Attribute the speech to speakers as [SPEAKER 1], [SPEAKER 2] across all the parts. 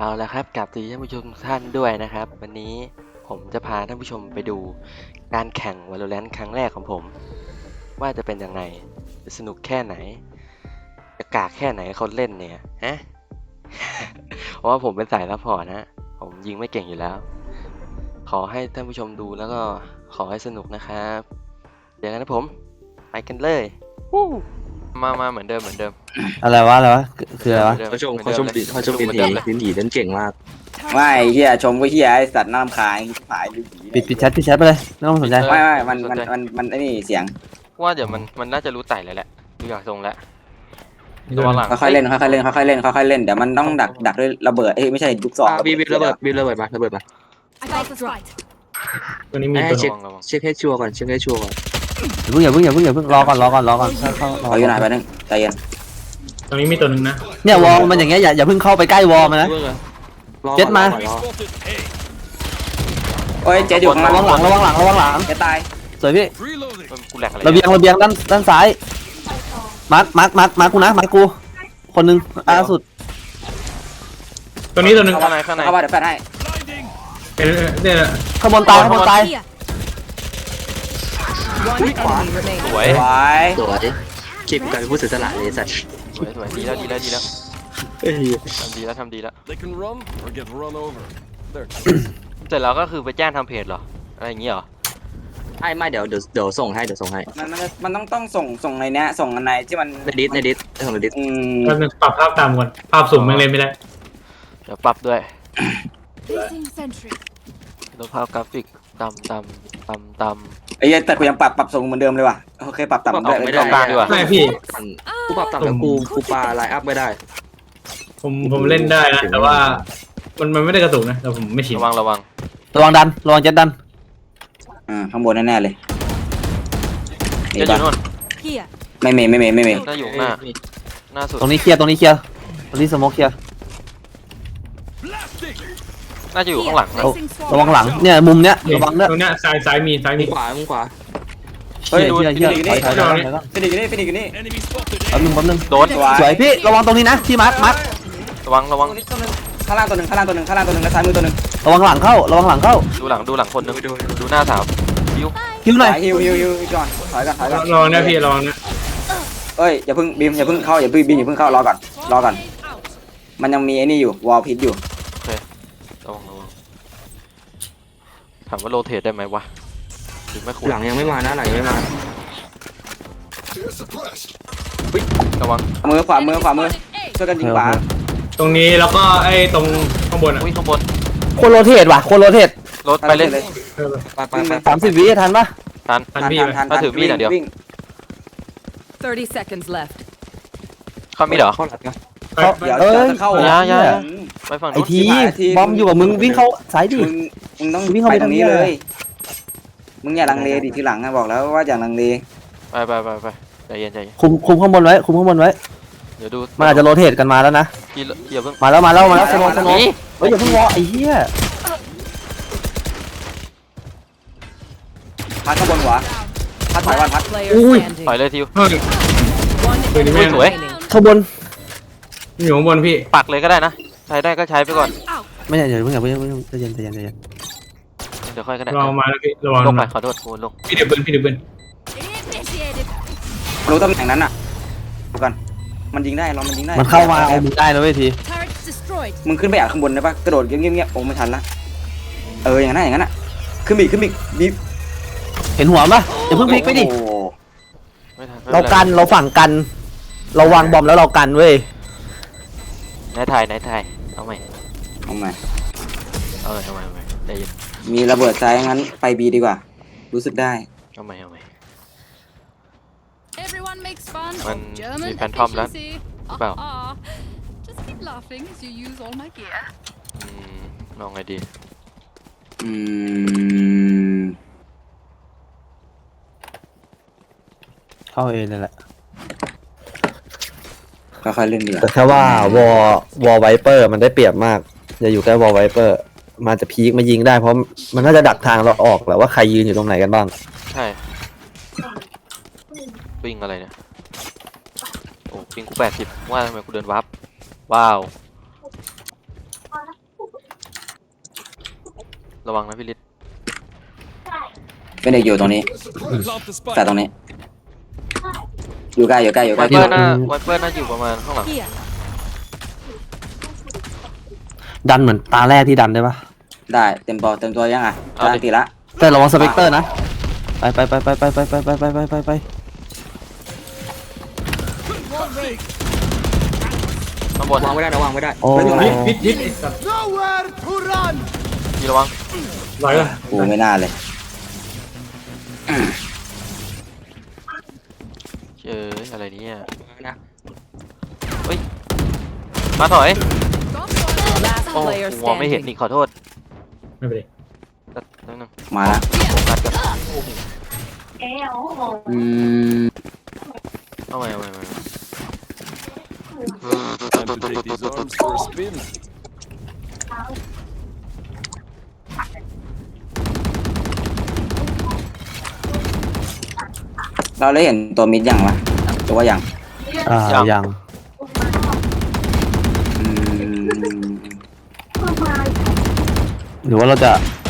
[SPEAKER 1] เอาละครับกลับสวัสดีท่านผู้ชมทุกท่านด้วยนะครับวันนี้ผมจะพาท่านผู้ชมไปดูการแข่ง Valorant ครั้งแรกของผมว่าจะเป็นยังไงจะสนุกแค่ไหนจะกากแค่ไหนคนเล่นเนี่ยฮะ เพราะว่าผมเป็นสายซัพพอร์ตนะผมยิงไม่เก่งอยู่แล้วขอให้ท่านผู้ชมดูแล้วก็ขอให้สนุกนะครับเดี๋ยวกันนะผมไปกันเลยมาเหมือนเดิม
[SPEAKER 2] อะไรวะคืออะไรวะ
[SPEAKER 1] เขาชม
[SPEAKER 3] ดินเหีเล่นเก่งมาก
[SPEAKER 4] ไม่เฮียชมก็เฮียไอสัตว์น่ารำคาญหายหรือผี
[SPEAKER 2] ปิดแชทไปเลยไม่ต้องสนใจ
[SPEAKER 4] ไม่มันไอ้นี่เสียง
[SPEAKER 1] ว่าเดี๋ยวมันน่าจะรู้ไต่เลยแหละดูอยากทรงแล้วตัวหลัง
[SPEAKER 4] ค่อยๆเล่นเดี๋ยวมันต้องดักด้วยระเบิดไม่ใช่ลูกศร
[SPEAKER 3] บีระเบิดมา
[SPEAKER 5] ตัวนี้มีตัว
[SPEAKER 3] เช็คให้ชัวร์ก่อน
[SPEAKER 2] อย่าเพิ่งรอก่อนเข้า
[SPEAKER 4] ขออยู่ไหนไปนึงใจเย็น
[SPEAKER 5] ตรงนี้มีตัวหนึ่งนะ
[SPEAKER 2] เนี่ยวอลมันอย่างเงี้ยอย่าเพิ่งเข้าไปใกล้วอลมันนะ เจ็ดมา
[SPEAKER 4] โอ้ยเจ๊อยู่ข้างล่าง
[SPEAKER 2] ระวังหลัง
[SPEAKER 4] เจ๊ตาย
[SPEAKER 2] สวยพี่
[SPEAKER 1] กูแหลกอะไร
[SPEAKER 2] ระเบียงด้านซ้ายมาร์คกูนะมาร์คกูคนนึงสุด
[SPEAKER 5] ตัวนี้ตัวหนึ่ง
[SPEAKER 1] ข้างใน
[SPEAKER 4] เข้ามาเดี๋ยวแฟนให้
[SPEAKER 5] เนี่ย
[SPEAKER 2] ข้างบนตาย
[SPEAKER 1] สวย
[SPEAKER 4] ไว้
[SPEAKER 3] สวยเก็บกันผู้เสียสละเลยสัตว์
[SPEAKER 1] สวยดีแล้วทำดีแล้ว
[SPEAKER 6] They can run or get run over. They're
[SPEAKER 1] เสร็จแล้วก็คือไปแจ้งทำเพจเหรออะไรอย่างงี้เหรอ
[SPEAKER 3] ไม่เดี๋ยวส่งให้
[SPEAKER 4] มันต้องส่งในเนี้ยส่งอันไหนที่มัน
[SPEAKER 3] ในดิสส่งในดิส
[SPEAKER 5] แล้วปรับภาพตามก่อนภาพสูงมันเล่นไม่ได้
[SPEAKER 1] เดี๋ยวปรับด้วยลดภาพกราฟิกต่ำ
[SPEAKER 4] ไอ้แต่กูยังปรับส่งเหมือนเดิมเลยว่ะโอเคปรับต่ำ
[SPEAKER 1] ไม่ต้องกลางดีกว่า
[SPEAKER 5] ไม่พี่
[SPEAKER 3] กูปรับต่ำแต่กูปาไลน์อัพไม่ได้
[SPEAKER 5] ผมเล่นได้นะแต่ว่ามันไม่ได้กระตุกนะแต่ผมไม่ชิน
[SPEAKER 1] ระวัง
[SPEAKER 2] ระวังเจ็ดดัน
[SPEAKER 4] ข้างบนแน่ๆเลย
[SPEAKER 1] จะอยู่นู่น
[SPEAKER 4] ไม่เมย์
[SPEAKER 1] จะอยู่หน้าสุด
[SPEAKER 2] ตรงนี้เคลียร์ตรงนี้สโมกเคลียร์
[SPEAKER 1] น่าจะอยู่ข้างหลังนะ
[SPEAKER 2] ระวังหลังเนี่ยมุมเนี้ยระวังด้วย
[SPEAKER 5] ตรงเนี้ยซ้ายมี
[SPEAKER 3] มึงขวา
[SPEAKER 2] เฮ้ยฟินิกนี่
[SPEAKER 6] enemy spotted.
[SPEAKER 2] แป๊บนึง
[SPEAKER 1] โดน
[SPEAKER 2] สวยพี่ระวังตรงนี้นะที่มาร์ค
[SPEAKER 1] ระวัง
[SPEAKER 4] ข้างล่างตัวหนึ่งและซ้ายมือตัวหนึ่ง
[SPEAKER 2] ระวังหลังเข้า
[SPEAKER 1] ดูหลังคนนึงดูหน้าสาว
[SPEAKER 2] คิวหน่อย
[SPEAKER 4] ฮิวก่อนถอยก่อน
[SPEAKER 5] ลองนะพี่ลองนะ
[SPEAKER 4] เอ้ยอย่าเพิ่งบีมอย่าเพิ่งเข้ารอก่อนมันยังมีไอ้นี่อยู่วอลพิษอยู่
[SPEAKER 1] ระวังถามว่าโรเทตได้ไหมวะหรือไม่ควร
[SPEAKER 3] หลังยังไม่มานะหลังยังไม่มา
[SPEAKER 1] ระวัง
[SPEAKER 4] ขวามือช่วยกันยิงขวา
[SPEAKER 5] ตรงนี้แล้วก็ไอ้ตรงข้างบนอ่ะ
[SPEAKER 1] อุ้ยข้างบน
[SPEAKER 2] โคโรเทต
[SPEAKER 1] รถไปเลย
[SPEAKER 3] ไป
[SPEAKER 2] 30 วิทันปะ
[SPEAKER 1] ทัน ถ้าถือมีดอย่างเดียว
[SPEAKER 7] 30 seconds left.
[SPEAKER 1] เขามีเหรอ
[SPEAKER 3] เข้าหลังนะ
[SPEAKER 4] เดี๋ยวจะเข้า
[SPEAKER 1] อย่า ไปฝั่ง
[SPEAKER 2] ไอ
[SPEAKER 1] นู้น
[SPEAKER 2] ทีบอมอยู่กับมึงวิ่งเข้าสายดิ
[SPEAKER 4] มึงต้อง
[SPEAKER 2] วิ่งเข้า
[SPEAKER 4] ไป
[SPEAKER 2] ไป
[SPEAKER 4] ตรงนี้
[SPEAKER 2] ทางนี้
[SPEAKER 4] เลย มึงอย่าลังเลดิทีหลังนะบอกแล้วว่าอย่าลังเล
[SPEAKER 1] ไปใจเย็น
[SPEAKER 2] คุมข้างบนไว้
[SPEAKER 1] เดี๋ยวดู
[SPEAKER 2] มันอาจจะโรเทตกันมาแล้วนะ
[SPEAKER 1] อย่าเพิ่ง
[SPEAKER 2] มาแล้วสโนเฮ้ยอย่าเพิ่งวอไอ้เหี้ย
[SPEAKER 4] พัดข้างบนหัวพัดถอยก่อนพัด
[SPEAKER 7] Player
[SPEAKER 2] Ui.
[SPEAKER 7] standing.
[SPEAKER 1] ปล่อยเลยทิว
[SPEAKER 5] เฮ้ย
[SPEAKER 7] One
[SPEAKER 5] Ui,
[SPEAKER 7] enemy
[SPEAKER 5] mẹ.
[SPEAKER 7] remaining.
[SPEAKER 2] ข้างบน
[SPEAKER 5] อยู่ข้างบนพี่
[SPEAKER 1] ปักเลยก็ได้นะใช้ได้ก็ใช้ไปก่อน
[SPEAKER 2] ไม่ใช่อย่าเพิ่งใจเย็น
[SPEAKER 1] เดี๋ยวค่อยก็ได้
[SPEAKER 5] ลองมาแล้วพี่ระวัง
[SPEAKER 1] ลงไป
[SPEAKER 5] นะ
[SPEAKER 1] ขอโทษกูลง
[SPEAKER 5] พี่เดือบเบิ้ล
[SPEAKER 4] รู้ตำแหน่งนั้นอ่ะดูกันมันยิงได้มันยิงได้
[SPEAKER 2] มันเข้ามาเอามึงได้นะเว้ยที
[SPEAKER 4] มึงขึ้นไปอ่ะข้างบนได้ปะกระโดดเงี้ยโอ้ไม่ทันละอย่างนั้นอ่ะขึ้นอีกดิ
[SPEAKER 2] เห็นหัวปะอย่าเพิ่งพลิกไปดิ
[SPEAKER 1] ไม่ทัน
[SPEAKER 2] เราฝั่งกันเราวางบอมแล้วเรากันเว้ย
[SPEAKER 1] ไหนไทยเอาใหม่ใจเย็น
[SPEAKER 4] มีระเบิดซ้ายงั้นไปบีดีกว่ารู้สึกได้
[SPEAKER 1] เอาใหม่
[SPEAKER 8] Everyone makes fun
[SPEAKER 1] Mình
[SPEAKER 8] of German
[SPEAKER 1] bị phantom lắm.
[SPEAKER 8] efficiency.
[SPEAKER 1] Bảo.
[SPEAKER 8] Just keep laughing as you use all my gear.
[SPEAKER 1] ลองไงดี
[SPEAKER 2] เข้าเองนั่นแหละ
[SPEAKER 4] ค่อยๆเล่นดีกว่า
[SPEAKER 2] แต่แค่ว่าวอลไวเปอร์มันได้เปรียบมากอย่าอยู่ใกล้วอลไวเปอร์มันจะพีคมายิงได้เพราะมันน่าจะดักทางเราออกแหละว่าใครยืนอยู่ตรงไหนกันบ้าง
[SPEAKER 1] ใช่วิ่งอะไรเนี่ยโอ้วิ่งกู80ว่าทำไมกูเดินวับว้าวระวังนะพี่ฤทธิ์
[SPEAKER 4] เป็นเด็กอยู่ตรงนี้
[SPEAKER 6] Plant the
[SPEAKER 4] แต่
[SPEAKER 6] spike.
[SPEAKER 4] ตรงนี้ อยู่ใกล้อยู่ใกล้อยู่ใก
[SPEAKER 1] ไว
[SPEAKER 4] ล้
[SPEAKER 1] เปอร์น่าอยู่ประมาณข้างหลัง
[SPEAKER 7] Here.
[SPEAKER 2] ดันเหมือนตาแรกที่ดันได้ปะ
[SPEAKER 4] ได้เต็มตัวยังอ่ะกำลังตีละ
[SPEAKER 2] แต่ระวังสเปกเตอร์นะไปไป
[SPEAKER 1] ข้างบน
[SPEAKER 3] วางไม่ได้นะวางไม่ได้
[SPEAKER 2] โอ้
[SPEAKER 5] พิษไอ้สัตว์
[SPEAKER 1] พี่ระวัง
[SPEAKER 5] ไหวป่ะ
[SPEAKER 4] กูไม่น่าเลย
[SPEAKER 1] อะไรเนี่ย
[SPEAKER 3] นะ
[SPEAKER 1] มาถอย
[SPEAKER 7] Last
[SPEAKER 1] โอ้
[SPEAKER 7] player
[SPEAKER 1] มองไม่เห็น
[SPEAKER 7] standing.
[SPEAKER 1] นี่ขอโทษ
[SPEAKER 5] ไม่เป็นไร
[SPEAKER 1] แป๊บนึง
[SPEAKER 4] มาละ
[SPEAKER 1] โฟกัสกัน
[SPEAKER 4] อืม
[SPEAKER 1] เอาใหม่
[SPEAKER 6] Time to take these arms for a spin.
[SPEAKER 4] เราได้เห็นตัวมิดยังวะหรือว่ายัง
[SPEAKER 2] ยัง
[SPEAKER 4] อืม
[SPEAKER 2] หรือว่าเราจะ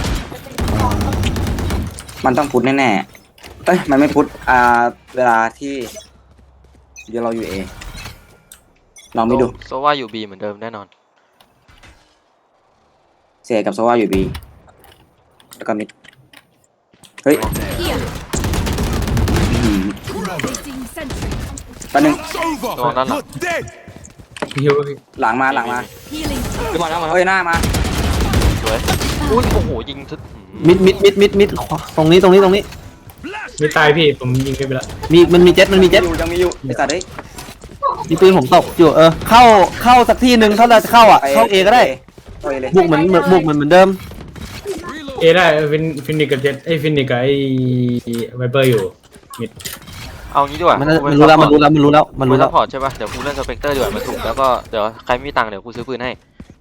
[SPEAKER 4] มันต้องพุทธแน่ๆเอ้ยมันไม่พุทธเวลาที่เดี๋ยวเราอยู่เอลองไม่ดู
[SPEAKER 1] โซว่าอยู่บีเหมือนเดิมแน่นอน
[SPEAKER 4] เสียกับโซว่าอยู่บีแล้วก็มิดเฮ้ย
[SPEAKER 7] Here.
[SPEAKER 4] อืม
[SPEAKER 8] Placing sentry.
[SPEAKER 4] แป๊บนึง
[SPEAKER 1] ระวังด้านหลัง
[SPEAKER 5] ฮิว
[SPEAKER 4] หลังมา
[SPEAKER 8] Healing.
[SPEAKER 3] ขึ้นมาแล้วมาแล้ว
[SPEAKER 4] เฮ้ยหน้ามา
[SPEAKER 1] สวยอุ้ยโอ้โหยิงทึด
[SPEAKER 2] มิดตรงนี้
[SPEAKER 5] ไม่ตายพี่ผมยิงไปละ
[SPEAKER 2] มันมีเจ็ต
[SPEAKER 4] ยังมีอยู่ไอ้สัตว์เฮ้ย
[SPEAKER 2] มีปืนผมตกอยู่เข้าสักที่หนึ่งถ้าเราจะเข้าอ่ะเข้าเอก็ได้
[SPEAKER 4] เข้าเอเลย
[SPEAKER 2] บุกเหมือนเดิม
[SPEAKER 5] เอได้ฟินิกกับเจ็ตไอ้ฟินิกกับไอ้ไวเปอร์อยู่
[SPEAKER 1] เอางี้ดีกว่า
[SPEAKER 2] มั
[SPEAKER 1] มัน
[SPEAKER 2] รู้แล้วมันรู้แล้ว
[SPEAKER 1] ซัพพอร์ตใช่ป่ะเดี๋ยวกูเล่นสเปกเตอร์ดีกว่ามาถูกแล้วก็เดี๋ยวใครไม่มีตังค์เดี๋ยวกูซื้อปืนให้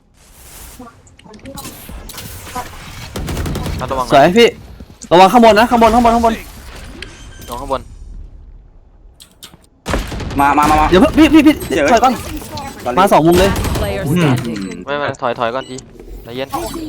[SPEAKER 1] ระวัง
[SPEAKER 2] สวยพี่ระวังข้างบนนะข้างบน
[SPEAKER 1] น้องข้างบน
[SPEAKER 4] มา
[SPEAKER 2] เดี๋ยวพี่ถอยก่อนมา2 มุมเลย
[SPEAKER 7] Player standing.
[SPEAKER 1] ไม่ถอยก่อนทีใจเย็น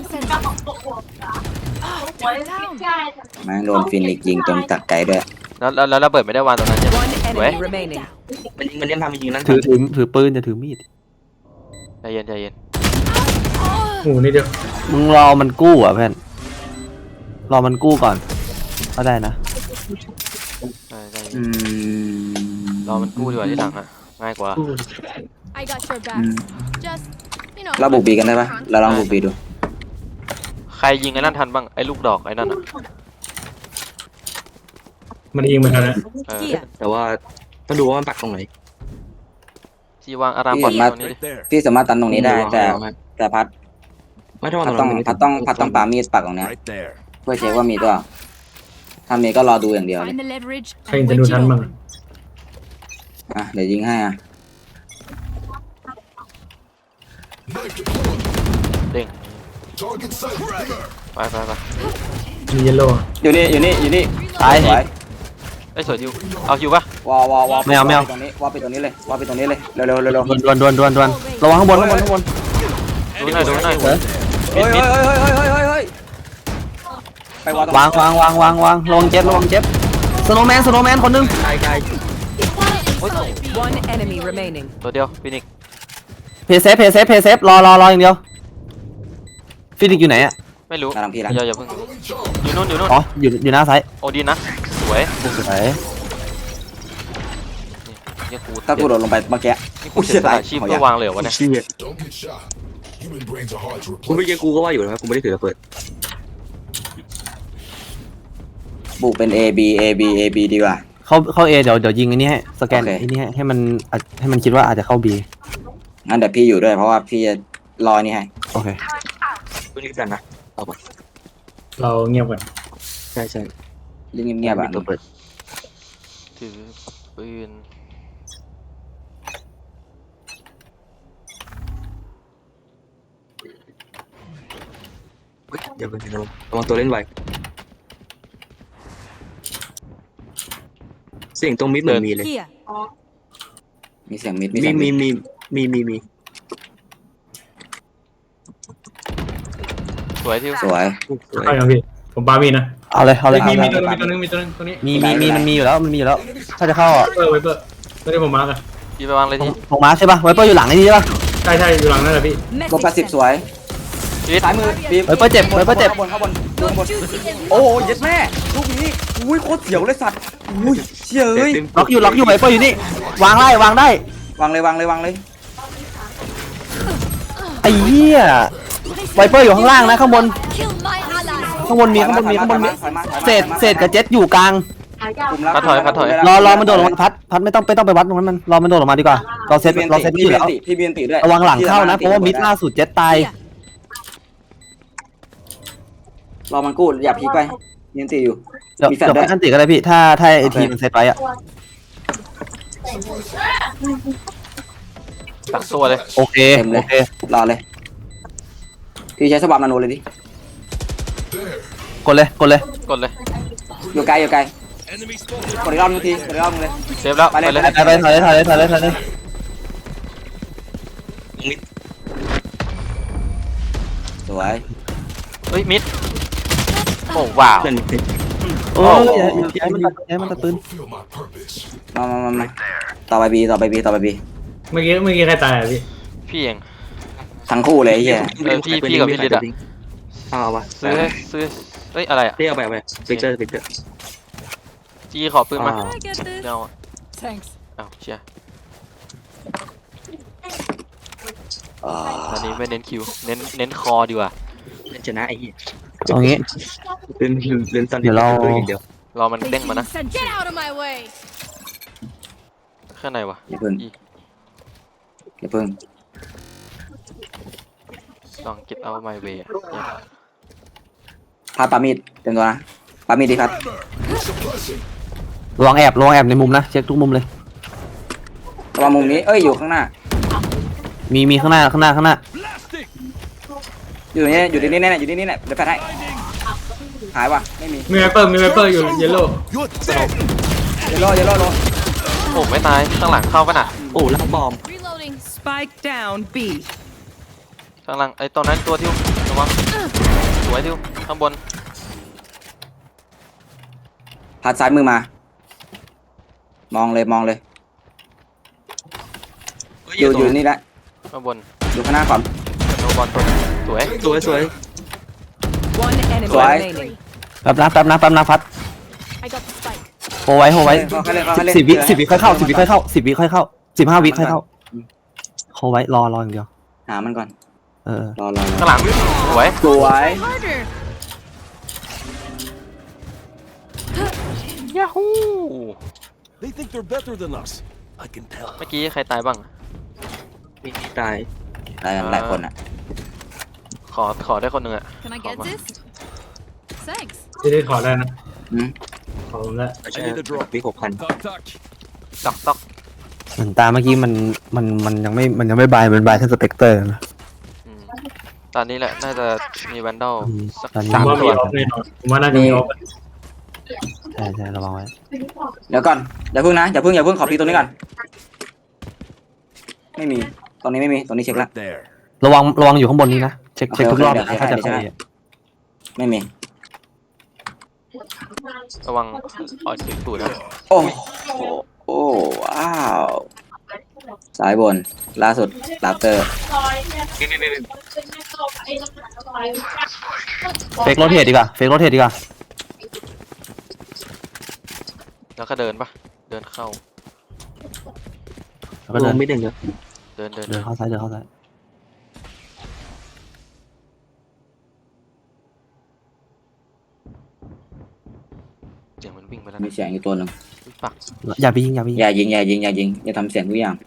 [SPEAKER 4] แม่งโดนฟินิกยิงตรงจากไกลด้วย
[SPEAKER 1] แล้วระเบิดไม่ได้วางตรงนั้นใช่ไหม
[SPEAKER 7] One
[SPEAKER 1] สวย
[SPEAKER 7] enemy remaining.
[SPEAKER 3] มันเล่นทำจริงๆนั่น
[SPEAKER 2] ถือปืนจะถือมีด
[SPEAKER 1] ใจเย็น
[SPEAKER 5] หมูนี่เดียว
[SPEAKER 2] มึงรอมันกู้อ่ะเพื่อนรอมันกู้ก่อนก็ได้นะ
[SPEAKER 1] ใจเย็
[SPEAKER 4] อื
[SPEAKER 1] น
[SPEAKER 4] ม
[SPEAKER 1] รอมันกู้ดีกว่าที่หลังอะง่ายกว่า
[SPEAKER 8] I got your back. Just, you know.
[SPEAKER 4] เราบุกบีกันได้ปะเราลองบุกบีดู
[SPEAKER 1] ใครยิงไอ้นั่นทันบ้างไอ้ลูกดอกไอ้นั่นอะ
[SPEAKER 5] มันยิงมันทันนะ
[SPEAKER 7] Here.
[SPEAKER 3] แต่ว่าต้องดูว่ามันปักตรงไหน
[SPEAKER 1] ที่วางอารามก่อนตรงนี้ดิ
[SPEAKER 6] Right there.
[SPEAKER 4] พี่สามารถตันตรงนี้ได้แต่พัด
[SPEAKER 3] ไม่ถ้าวาง
[SPEAKER 4] พั
[SPEAKER 3] ต
[SPEAKER 4] ด
[SPEAKER 3] รง
[SPEAKER 4] ต้อง
[SPEAKER 3] นั้น
[SPEAKER 4] พัดต้องปามีดปักตรงเนี้ย
[SPEAKER 6] Right there.
[SPEAKER 4] เพื่อเช็คว่ามีตัวถ้ามีก็รอดูอย่างเดียวเลย
[SPEAKER 8] Find the leverage
[SPEAKER 5] ใคร
[SPEAKER 8] and
[SPEAKER 5] จะดู
[SPEAKER 8] wedge
[SPEAKER 5] ทั
[SPEAKER 8] it
[SPEAKER 5] นบ้าง
[SPEAKER 8] open.
[SPEAKER 4] เดี๋ยวยิงให้อ่ะ
[SPEAKER 1] เด้งไป
[SPEAKER 5] มีเยลโล่
[SPEAKER 4] อยู่นี่
[SPEAKER 2] ตาย
[SPEAKER 4] สวย
[SPEAKER 1] ไอ้ยสวยทิวเอาทิวปะ
[SPEAKER 4] วอ
[SPEAKER 2] ไม่เอา
[SPEAKER 4] ตรงนี้วอไปตรงนี้เลยเร็ว
[SPEAKER 2] ดวนระวังข้างบน
[SPEAKER 1] ดูหน่อย
[SPEAKER 4] เฮ้ยไปวอตรง
[SPEAKER 2] วางระวังเจ็บสโนว์แมนคนนึง
[SPEAKER 3] ไกล
[SPEAKER 7] One enemy remaining.
[SPEAKER 1] ตัวเดียวฟินิก
[SPEAKER 2] เพย์เซฟรออย่างเดียวฟินิกอยู่ไหนอ่ะ
[SPEAKER 1] ไม่รู้
[SPEAKER 4] หน้าหลังพี่ละ
[SPEAKER 1] อย่าเพิ่งอยู่นู่น
[SPEAKER 2] อ๋ออยู่หน้าซ้าย
[SPEAKER 1] โอดีนนะสวย
[SPEAKER 2] สวย
[SPEAKER 1] นี่กู
[SPEAKER 4] ถ้ากูโดดลงไปเมื่อกี้
[SPEAKER 1] นี่กูเสียสละชีพเพื่อวางเหลววะเนี่ย
[SPEAKER 3] ๆเชี่ยกูไม่เจอกูก็ว่าอยู่นะกูไม่ได้ถือระเบิด
[SPEAKER 4] บุกเป็น A B ดีกว่า
[SPEAKER 2] เข้าเอเดี๋ยวยิงอันนี้ให้สแกน
[SPEAKER 4] โอเค
[SPEAKER 2] อันนี้ให้มันคิดว่าอาจจะเข้าบี
[SPEAKER 4] งั้นเดี๋ยวพี่อยู่ด้วยเพราะว่าพี่จะรอนี่ให้
[SPEAKER 2] โอเค
[SPEAKER 3] กูนี่กันนะเอาไป
[SPEAKER 5] เราเงียบก่อน
[SPEAKER 3] ใช่
[SPEAKER 4] เรื่องเงียบๆอ่ะ
[SPEAKER 3] ระเบิด
[SPEAKER 1] ถือปืน
[SPEAKER 3] เดี๋ยวเป็นระวังตัวเล่นไวเสียงตรงมิดเหมือนมีเลย
[SPEAKER 7] Here.
[SPEAKER 4] มีเสียงมิด
[SPEAKER 3] มี
[SPEAKER 4] มี
[SPEAKER 1] สวยทิว
[SPEAKER 4] สวย
[SPEAKER 3] สวย
[SPEAKER 5] ใช่ครับพี่ผมปามีนะ
[SPEAKER 2] เอาเลยเอาเลย
[SPEAKER 5] มี
[SPEAKER 4] เอาเลย
[SPEAKER 5] ตัวนึงตรงนี้
[SPEAKER 2] มีมันมีอยู่แล้วมันมีอยู่แล้ว ถ้าจะเข้าอ่ะ
[SPEAKER 5] ไวเปอร์ไม่ได้ผมมาร์กอะ
[SPEAKER 1] พี่ไปวางเลยที
[SPEAKER 2] ของมาใช่ป่ะไวเปอร์อยู่หลังไอ้นี่ใช่ป่ะ
[SPEAKER 5] ใช่อยู่หลังนั่นแหละพี่
[SPEAKER 4] ลบ80สวย
[SPEAKER 1] ชีวิต
[SPEAKER 4] ซ้ายมือบีม
[SPEAKER 2] ไวเปอร์เจ็บไวเปอร์เจ็บ
[SPEAKER 4] ข้างบนข้างบนข้างบนโอ้ยเย็ดแม่ลูกนี้อุ้ยโคตรเสียวเลยสัตว์อุ้ยเชี่ยเอ้ย
[SPEAKER 2] ล็อกอยู่ไวเปอร์อยู่นี่วางได้วางได้
[SPEAKER 4] วางเลยวางเลยวางเลย
[SPEAKER 2] ไอ้เหี้ยไวเปอร์อยู่ข้างล่างนะข้างบน
[SPEAKER 8] Kill my ally.
[SPEAKER 2] ข้างบนมีข้างบนมีข้างบนมี
[SPEAKER 4] ถอยมาถอยมา
[SPEAKER 2] เศษกับเจ็ตอยู่กลาง
[SPEAKER 4] คุมแล้ว
[SPEAKER 1] พัดถอย
[SPEAKER 2] รอมันโดดลงมาพัดไม่ต้องไปวัดตรงนั้นมันรอมันโดดลงมาดีกว่าเราเซต
[SPEAKER 4] พี่
[SPEAKER 2] อยู่แล้ว
[SPEAKER 4] พี่เบียนติด้วย
[SPEAKER 2] ระวังหลังเข้านะเพราะว่ามิดล่าสุดเจ็ตตาย
[SPEAKER 4] รอมันกู้อย่าพีกไปเบียนติอยู่
[SPEAKER 2] เดี๋ยว
[SPEAKER 4] มีแฟลช
[SPEAKER 2] เดี๋ยว
[SPEAKER 4] ด้วย
[SPEAKER 2] ไปอันติก็ได้พี่ถ้าไอทีมันเซตไปอ่ะ
[SPEAKER 1] ตักตัวเลย
[SPEAKER 2] โอเค
[SPEAKER 4] รอเลยพี่ใช้สวับนาโนเลยดิ
[SPEAKER 2] กดเลย
[SPEAKER 1] กดเลย
[SPEAKER 4] อยู่ไกล
[SPEAKER 6] Enemy spotted.
[SPEAKER 4] กดอีกรอบนึงทีกดอีกรอบนึงเลย
[SPEAKER 1] เซฟแล้ว
[SPEAKER 4] ไป
[SPEAKER 1] ไป
[SPEAKER 4] เลย
[SPEAKER 1] เลย
[SPEAKER 2] ไปถอยเลย
[SPEAKER 3] มิด
[SPEAKER 4] สวย
[SPEAKER 1] เฮ้ยมิดโอ้ว้าว
[SPEAKER 3] เพื่อนมิด
[SPEAKER 2] โอ้ยย้ายมันตัดปืน
[SPEAKER 4] มาต่อไปบี
[SPEAKER 5] เมื่อกี้ใครตายอ่ะพี่
[SPEAKER 1] พี่เอง
[SPEAKER 4] ทั้งคู่เลยไอ้เหี้ย
[SPEAKER 1] พี่กับพี่ลิดอะ
[SPEAKER 3] เอาวะ
[SPEAKER 1] ซื้อเฮ้ยอะไรอ่ะ
[SPEAKER 3] เรียกเอาไปฟิกเกอร์
[SPEAKER 1] จีขอปืนมา
[SPEAKER 8] Can I get this?
[SPEAKER 1] เดี๋ยวอะ
[SPEAKER 8] Thanks.
[SPEAKER 1] อ้าวเชีย
[SPEAKER 4] อ่า
[SPEAKER 1] ตอนนี้ไม่เน้นคิวเน้นคอดีกว่า
[SPEAKER 3] เล่นชนะไอ้เหี้ย
[SPEAKER 2] เอางี้
[SPEAKER 3] เล่นตอน
[SPEAKER 2] เดี๋ยวเรา
[SPEAKER 3] อย่างเดียว
[SPEAKER 1] รอมันเด้งมานะ
[SPEAKER 8] Get out of my way.
[SPEAKER 1] ข้างในวะ
[SPEAKER 4] อย่าเพิ่ง
[SPEAKER 1] อี
[SPEAKER 4] อย่าเพิ่ง
[SPEAKER 1] ลอง get out my way อะ
[SPEAKER 4] พาปามีดเต็มตัวนะปามีดดีครับ
[SPEAKER 2] ระวังแอบในมุมนะเช็คทุกมุมเลย
[SPEAKER 4] ระวังมุมนี้เอ้ยอยู่ข้างหน้า
[SPEAKER 2] มีข้างหน้า
[SPEAKER 6] Blasting.
[SPEAKER 4] อยู่นี่อยู่นี่แน่ๆอยู่นี่แน่เดี๋ยวแฟนให้หายว่ะไม่มี
[SPEAKER 5] มีไวเปอร์อยู่เยลโล่
[SPEAKER 6] You're dead.
[SPEAKER 4] เยลโล่โล
[SPEAKER 1] โอ้ไม่ตายข้างหลังเข้าป่ะน่ะ
[SPEAKER 3] โอ้ลักบอม
[SPEAKER 8] Reloading.
[SPEAKER 7] Spike down B.
[SPEAKER 1] ข้างหลังไอ้ตอนนั้นตัวทิวระวังสวยทิวข้างบน
[SPEAKER 4] พาซ้ายมือมามองเลยอยู่นี่แหละ
[SPEAKER 1] ข้างบน
[SPEAKER 4] อยู่ข้างหน้าก่อน
[SPEAKER 1] โนบอลตัวสวย
[SPEAKER 3] สวย
[SPEAKER 7] One enemy
[SPEAKER 4] Why?
[SPEAKER 7] remaining.
[SPEAKER 2] แป๊บนะพัด
[SPEAKER 8] I got the spike.
[SPEAKER 2] โฮไว้
[SPEAKER 4] เขาเล่น
[SPEAKER 2] 10 วิค่อยเข้า10 วิค่อยเข้า10 วิค่อยเข้า15 วิค่อยเข้าโฮไว้รออย่างเดียว
[SPEAKER 4] หามันก่อน รอ
[SPEAKER 1] ข้างหลังสวย
[SPEAKER 4] สวย
[SPEAKER 8] Harder.
[SPEAKER 1] ยาฮู
[SPEAKER 6] They think they're better than us. I can tell.
[SPEAKER 1] เมื่อกี้ใครตายบ้าง
[SPEAKER 3] มีตาย
[SPEAKER 4] หลายคนอ่ะ
[SPEAKER 1] ขอได้คนหนึ่งอะ
[SPEAKER 8] Can I get
[SPEAKER 1] Come on.
[SPEAKER 8] this? Thanks.
[SPEAKER 5] ที่ได้ขอได้นะ
[SPEAKER 4] อืม
[SPEAKER 5] ขอผมได้
[SPEAKER 3] ใช่วิ6,000
[SPEAKER 6] Talk, talk.
[SPEAKER 1] ตอก
[SPEAKER 2] เหมือนตาเมื่อกี้มันยังไม่บายมันบายแค่สเปกเตอร์นะ
[SPEAKER 1] อืมตอนนี้แหละน่าจะมีแวนดอลสัก
[SPEAKER 2] ตอนนี้
[SPEAKER 5] ผม
[SPEAKER 1] 3
[SPEAKER 5] ว่า
[SPEAKER 1] ตั
[SPEAKER 5] มี
[SPEAKER 1] ว
[SPEAKER 5] ออฟแน่นอนผมว่าน่าจะมีออฟ
[SPEAKER 2] ใช่ระวังไว้
[SPEAKER 4] เดี๋ยวก่อนอย่าเพิ่งนะอย่าเพิ่งขอพีตัวนี้ก่อนไม่มีตรงนี้ไม่มีตรงนี้เช็คแล้ว
[SPEAKER 6] Right there.
[SPEAKER 2] ระวังอยู่ข้างบนนี้นะเช็คทุกรอบ
[SPEAKER 4] โอเค
[SPEAKER 2] ถ้าจะ
[SPEAKER 4] เดี๋ยว
[SPEAKER 2] เข้า
[SPEAKER 4] เดี๋ยว ไม่มี
[SPEAKER 1] ระวังออดถึงตูดนะ
[SPEAKER 4] โอ้ว้าวสายบนล่าสุดลาเตอร์
[SPEAKER 2] เฟกโรเทตดีกว่า
[SPEAKER 1] แล้วก็เดินปะเดินเข้า
[SPEAKER 2] แล้วก็เดิน
[SPEAKER 3] ไม่เด่นเลย
[SPEAKER 1] เดิน
[SPEAKER 2] เดินเข้าซ้าย
[SPEAKER 1] เสียงมันวิ่งไปแล้ว
[SPEAKER 4] มีเสียงอยู่ตัวหนึ่ง
[SPEAKER 1] อุ๊ยปัก
[SPEAKER 2] อย่าไปยิง
[SPEAKER 4] อย่ายิงอย่าทำเสียงทุกอย่าง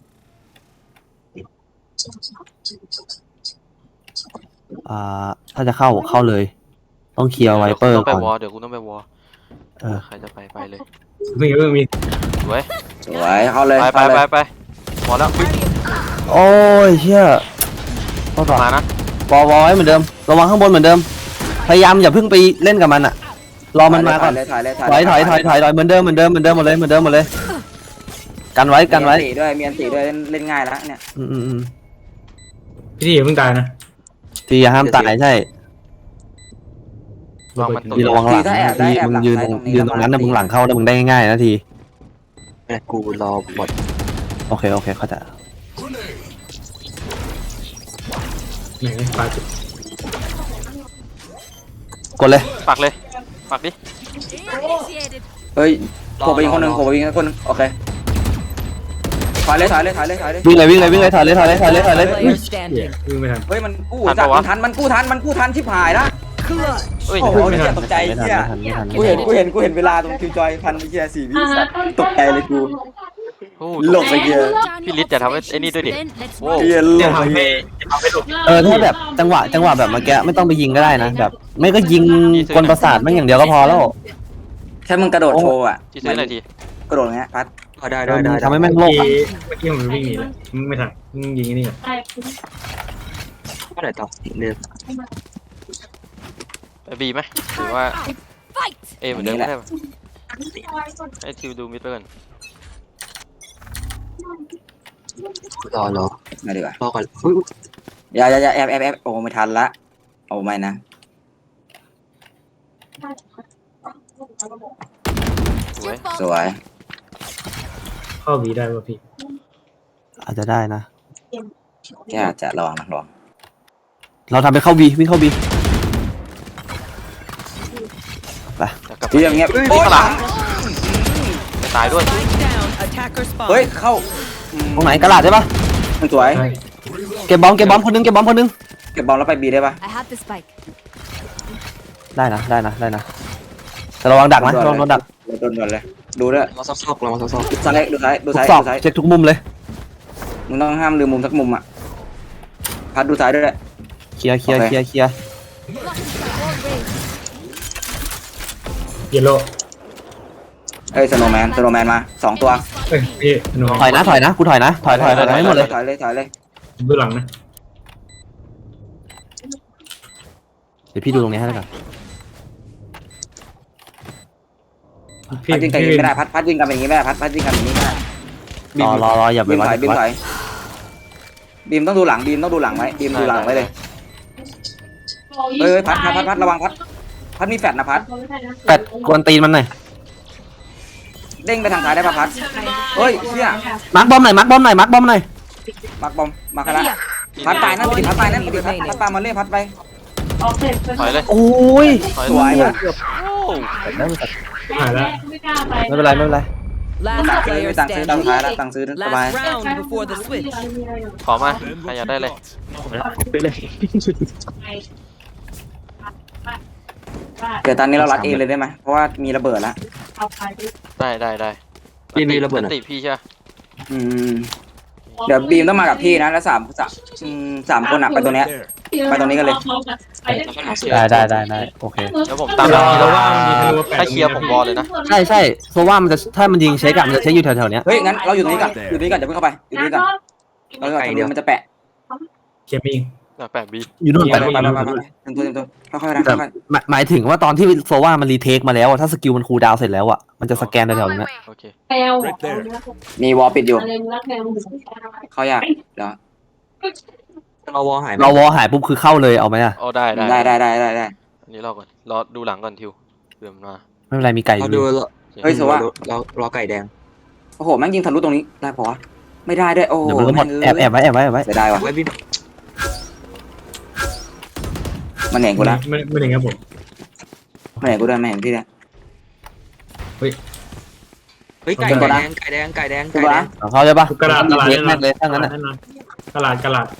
[SPEAKER 2] ถ้าจะเข้าเลย ต้องเคลียร์ไวเปอร์
[SPEAKER 1] ต้องไป
[SPEAKER 2] ก่อน
[SPEAKER 1] วอลเดี๋ยวกูต้องไปวอล ใครจะไปเลย
[SPEAKER 5] มี
[SPEAKER 1] สวย
[SPEAKER 4] สวยเข้าเลย
[SPEAKER 1] ไปวอลแล้ว
[SPEAKER 2] โอ้ยเชี่ยเข้าต่อ
[SPEAKER 1] มานะ
[SPEAKER 2] วอลไว้เหมือนเดิมระวังข้างบนเหมือนเดิมพยายามอย่าเพิ่งไปเล่นกับมันอะรอมันมาก่อน
[SPEAKER 4] ถ่ายเลย
[SPEAKER 2] ถอยเหมือนเดิมหมดเลยกันไว้
[SPEAKER 4] มีอันตีด้วยเล่นง่ายแล้วเนี่ย
[SPEAKER 5] พี่ที่อย่าเพิ่งตายนะ
[SPEAKER 2] ตีอย่าห้ามตายใช่
[SPEAKER 1] วางมันตุ่
[SPEAKER 2] ทีระวังหลัง
[SPEAKER 4] ถ้าแอบได้
[SPEAKER 2] ที
[SPEAKER 4] แอบ
[SPEAKER 2] มึง
[SPEAKER 4] หลัง
[SPEAKER 2] ยืน
[SPEAKER 4] ซ้ายตรงนี้
[SPEAKER 2] ยืนตรงนั้นนะมึงหลังเข้านะมึงได้ง่ายๆนะที
[SPEAKER 3] แต่กูรอบท
[SPEAKER 2] โอเคเข้าใจ
[SPEAKER 5] ไหนปลาจุด
[SPEAKER 2] กดเลย
[SPEAKER 1] ปักเลยปักดิ
[SPEAKER 8] Initiated.
[SPEAKER 4] เฮ้ยโผล่ไปยิงคนหนึ่งโผล่ไปยิงคนหนึ่งโอเคถอยเลย
[SPEAKER 2] วิ่งเลยถอยเลย
[SPEAKER 7] Player
[SPEAKER 5] เหี้ย
[SPEAKER 7] standing.
[SPEAKER 5] วิ่งไม่ทัน
[SPEAKER 4] เฮ้ยมันกู้จัดมันกู้ทันชิบหายละ
[SPEAKER 7] Clutch.
[SPEAKER 1] เอ้ย
[SPEAKER 4] โอ้โหเหี้ยตกใจ
[SPEAKER 2] ไม่ทัน
[SPEAKER 4] เหี้ย
[SPEAKER 2] ไม่ทัน
[SPEAKER 4] กูเห็นเวลาตรงคิวจอยพันเหี้ย4 วิสัตว์ตกใจเลยกู
[SPEAKER 1] โอ้
[SPEAKER 4] หลบไปเหี้ย
[SPEAKER 1] พี่ลิศอย่าทำไอ้นี่ด้วยดิ
[SPEAKER 8] Let's
[SPEAKER 1] โอ้
[SPEAKER 4] เหี้ยหล
[SPEAKER 5] จะ
[SPEAKER 4] บไป
[SPEAKER 5] ทำให้
[SPEAKER 4] เหี้ย
[SPEAKER 5] จะทำให้หลบ
[SPEAKER 2] ถ้าแบบจังหวะแบบเมื่อกี้ไม่ต้องไปยิงก็ได้นะแบบ ไม่ก็ยิงกลประสาทมันอย่างเดียวก็พอแล้ว
[SPEAKER 4] แค่มึงกระโดดโชว์อ่ะ
[SPEAKER 1] ที่ซื้อหน่อยที
[SPEAKER 4] กระโดดอย่างเงี้ยพัด
[SPEAKER 3] ได้
[SPEAKER 2] ทำให้แม่งโลก
[SPEAKER 5] เมื่อกี้ผมวิ่งหนีเลยไม่ทันมึงยิงไอ้นี่ก่อน
[SPEAKER 3] ก็ไหนต่อเดิน
[SPEAKER 1] ไปบีไหมหรือว่า
[SPEAKER 8] fight.
[SPEAKER 1] เอเหมือนเดิมก็ได้ปะให้ทิวดูมิดไปก่อน
[SPEAKER 3] รอ
[SPEAKER 4] มาดีกว่า
[SPEAKER 3] รอก่อน
[SPEAKER 4] อย่าแอบโอ้ไม่ทันละโอ้ไม่นะ
[SPEAKER 1] สวย
[SPEAKER 4] สวย
[SPEAKER 5] เข้าบีได้ป่ะพี่
[SPEAKER 2] อาจจะได้นะ
[SPEAKER 4] แค่อาจจะลอง
[SPEAKER 2] เราทำไปเข้าบีวิ่งเข้าบี
[SPEAKER 1] แล้วกลับ
[SPEAKER 4] ที่อย่างเงี้ย
[SPEAKER 1] โอ้ยข้างหลังจะตายด้วย
[SPEAKER 7] Spike down. Attacker spawn.
[SPEAKER 4] เฮ้ยเข้า
[SPEAKER 2] ตรงไหนกระดาษใช่ปะ
[SPEAKER 4] สวย
[SPEAKER 5] ใช่
[SPEAKER 2] เก็บบอมคนนึง
[SPEAKER 4] เก็บบอลแล้วไปบีได้ปะ
[SPEAKER 8] I have the spike.
[SPEAKER 2] ได้นะแต่ระวังดักนะระวังโดนดัก
[SPEAKER 4] โดนเลยดูด้วย
[SPEAKER 3] เราซอกเราซอก
[SPEAKER 4] ดูซ้าย
[SPEAKER 2] ทุกศอกเช็คทุกมุมเลย
[SPEAKER 4] มึงต้องห้ามลืมมุมสักมุมอ่ะพัดดูซ้ายด้วย
[SPEAKER 2] เคลียร์
[SPEAKER 8] Blocking spike all ways.
[SPEAKER 5] เยลโล่
[SPEAKER 4] เอ้ยสโนว์แมนมา2 ตัว
[SPEAKER 5] เอ้ยพี่หนู
[SPEAKER 2] ถอยนะกูถอยนะถอยให้หมดเลย
[SPEAKER 4] ถอยเลย
[SPEAKER 5] ดูหลังนะ
[SPEAKER 2] เดี๋ยวพี่ดูตรงนี้ให้แล้วกัน
[SPEAKER 5] พี่
[SPEAKER 4] พัดยิงกันอย่างนี้ไม่ได้พัดยิงกันอย่างนี้ไม่ได้พัดยิงกันอย่างนี้ไม่ได้
[SPEAKER 2] รออย่าไป
[SPEAKER 4] บีม
[SPEAKER 2] วั
[SPEAKER 4] ถอย
[SPEAKER 2] ด
[SPEAKER 4] บีมต้องดูหลังไว้บีมดูหลังไว้เลยเอ้ยพัดระวังพัดมีแฟดนะพัด
[SPEAKER 2] แปดกวนตีนมันหน่อย
[SPEAKER 4] เด้งไปทางซ้ายได้ปะพัดเฮ้ยเชี่ย
[SPEAKER 2] มาร์คบอมหน่อย
[SPEAKER 4] มาร์คบอมมาคาระพัดตายนั่นติดพัดตามมาเล่พัดไป
[SPEAKER 1] ถอยเลย
[SPEAKER 2] โอ้ย
[SPEAKER 1] ถอย
[SPEAKER 4] สวย
[SPEAKER 1] เลย
[SPEAKER 4] นะ
[SPEAKER 1] โอ้
[SPEAKER 5] หายแล้ว
[SPEAKER 2] ไม่เป็นไร
[SPEAKER 7] Last
[SPEAKER 4] ตัง
[SPEAKER 7] player
[SPEAKER 4] ซื้อตัง
[SPEAKER 7] standing.
[SPEAKER 4] ท้ายแล้วตังซื้อสบาย
[SPEAKER 7] Last round before the switch.
[SPEAKER 1] ขอมา
[SPEAKER 6] Then
[SPEAKER 1] ใครอยากได้เลย
[SPEAKER 3] ไปเลย
[SPEAKER 4] เดี๋ยวตอนนี้เรารัดเองเลยได้ไหมเพราะว่ามีระเบิดแล้ว
[SPEAKER 1] ได้
[SPEAKER 3] มีระเบิด
[SPEAKER 1] ติพี่ใช่ปะ
[SPEAKER 4] เดี๋ยวบีมต้องมากับพี่นะแล้วสามคนอ่ะไปตัวเนี้ย
[SPEAKER 6] there.
[SPEAKER 4] ไปตรงนี้กันเลย
[SPEAKER 2] ได้โอเค
[SPEAKER 1] แล้วผมตามหลังพี่แล้วว่าถ้าเคลียร์ผมบอลเลยนะ
[SPEAKER 2] ใช่เพราะว่ามันจะถ้ามันยิงเช็คอะมันจะเช็คอยู่แถวๆเนี้ย
[SPEAKER 4] เฮ้ยงั้นเราอยู่ตรงนี้ก่อนอย่าเพิ่งเข้าไปอยู่ตรงนี้ก่อนแล้วก็ทะลุมันจะแปะ
[SPEAKER 5] เคมี
[SPEAKER 1] แปะบี
[SPEAKER 2] อยู่นู่น
[SPEAKER 4] ไป
[SPEAKER 2] ไป
[SPEAKER 4] เต็มตัวค่อยๆนะ
[SPEAKER 2] แต่
[SPEAKER 4] ค่อย
[SPEAKER 2] หมายถึงว่าตอนที่โซว่ามันรีเทคมาแล้วอะถ้าสกิลมันคูลดาวน์เสร็จแล้วอะมันจะสแกนแถวๆนี้
[SPEAKER 1] โอเค
[SPEAKER 6] Right there.
[SPEAKER 4] ๆมีวอลปิดอยู่เขาอยากเดี๋ยว
[SPEAKER 3] เราวอหาย
[SPEAKER 2] เราวอหายปุ๊บคือเข้าเลยเอาไหมอะ
[SPEAKER 1] โอ้ได้
[SPEAKER 4] ได้
[SPEAKER 1] อันนี้รอก่อนรอดูหลังก่อนทิวเผื่อมันมา
[SPEAKER 2] ไม่เป็นไรมีไก่อ
[SPEAKER 3] เรา
[SPEAKER 2] ยู่
[SPEAKER 3] ดู
[SPEAKER 4] เฮ้ยโซว่า
[SPEAKER 3] เราไก่แดง
[SPEAKER 4] โอ้โหแม่งยิงทะลุตรงนี้ได้ปะวะไม่ได้ด้วยโอ้โห
[SPEAKER 2] เดี๋ยวมันก็หมดแอบไว้
[SPEAKER 4] เสียดายวะ
[SPEAKER 3] ไว้พี่
[SPEAKER 4] มันเห็นกูแล้ว
[SPEAKER 5] ไม่ถึงครับผม
[SPEAKER 4] มันเห็นกูด้วยไม่เห็นพี่เนี่ย
[SPEAKER 3] เฮ้ยไก่แดง
[SPEAKER 2] เขาใช่ปะ
[SPEAKER 5] กระดาษ
[SPEAKER 2] รี
[SPEAKER 5] กระดาษ
[SPEAKER 2] เทคแม่งเลยถ้างั้นอะ
[SPEAKER 5] กระดาษ